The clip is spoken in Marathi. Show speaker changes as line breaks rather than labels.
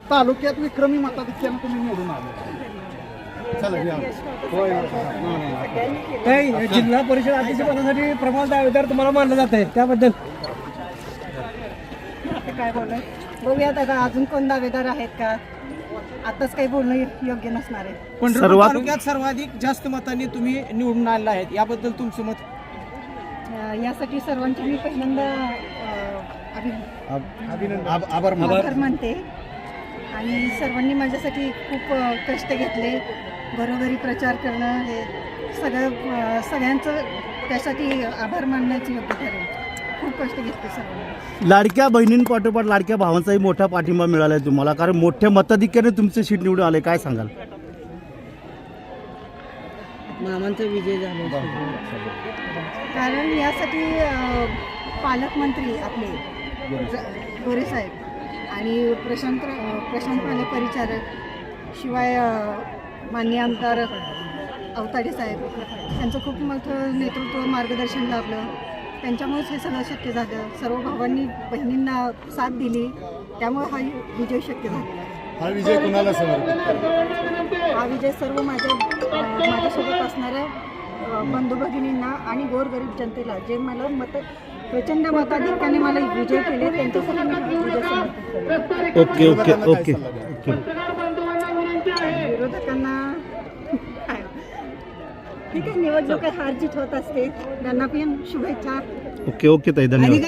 तालुक्यात विक्रमी मताधिक्यानं तुम्ही निवडून आले. चला या.
काही जिल्हा परिषद अध्यक्षपदासाठी प्रमोद दावेदार तुम्हाला मानलं जात आहे, त्याबद्दल
काय बोलणार. बघूयात आता अजून कोण दावेदार आहेत का, आताच काही बोलणं योग्य नसणार आहे.
पंढरपूर तालुक्यात सर्वाधिक जास्त मतांनी तुम्ही निवडून आलेला आहेत, याबद्दल तुमचं मत?
यासाठी सर्वांचे मी पहिल्यांदा
आभार
मानते. आणि सर्वांनी माझ्यासाठी खूप कष्ट घेतले. घरोघरी प्रचार करणं हे सगळ्यांचं त्यासाठी आभार मानण्याची योग्य ठरेल. खूप कष्ट घेतले सर्वांनी.
लाडक्या बहिणींपाठोपाठ लाडक्या भावांचाही मोठा पाठिंबा मिळाला आहे तुम्हाला, कारण मोठ्या मताधिक्याने तुमचे सीट निवडून आले, काय सांगाल?
मामांचा विजय झाला,
कारण यासाठी पालकमंत्री आपले गोरे साहेब आणि प्रशांत पाले परिचारक, शिवाय माननीय आमदार अवताडे साहेब यांचं खूप मोठं नेतृत्व मार्गदर्शन लाभलं. त्यांच्यामुळेच हे सगळं शक्य झालं. सर्व भावांनी बहिणींना साथ दिली, त्यामुळे हा विजय शक्य झाला.
हा विजय कुणाला समर्पित?
हा विजय सर्व माझ्यासोबत असणाऱ्या बंधू भगिनींना आणि गोरगरीब जनतेला, जे मला प्रचंड मताधिक्याने मला विजय केले, त्यांच्यासाठी मी विजय समर्पित केला.
Okay okay okay okay.
विरोधकांना ठीक आहे, निवडणुकीत हार जीत होत असते, त्यांना पण शुभेच्छा.
ओके ओके ताई, धन्यवाद.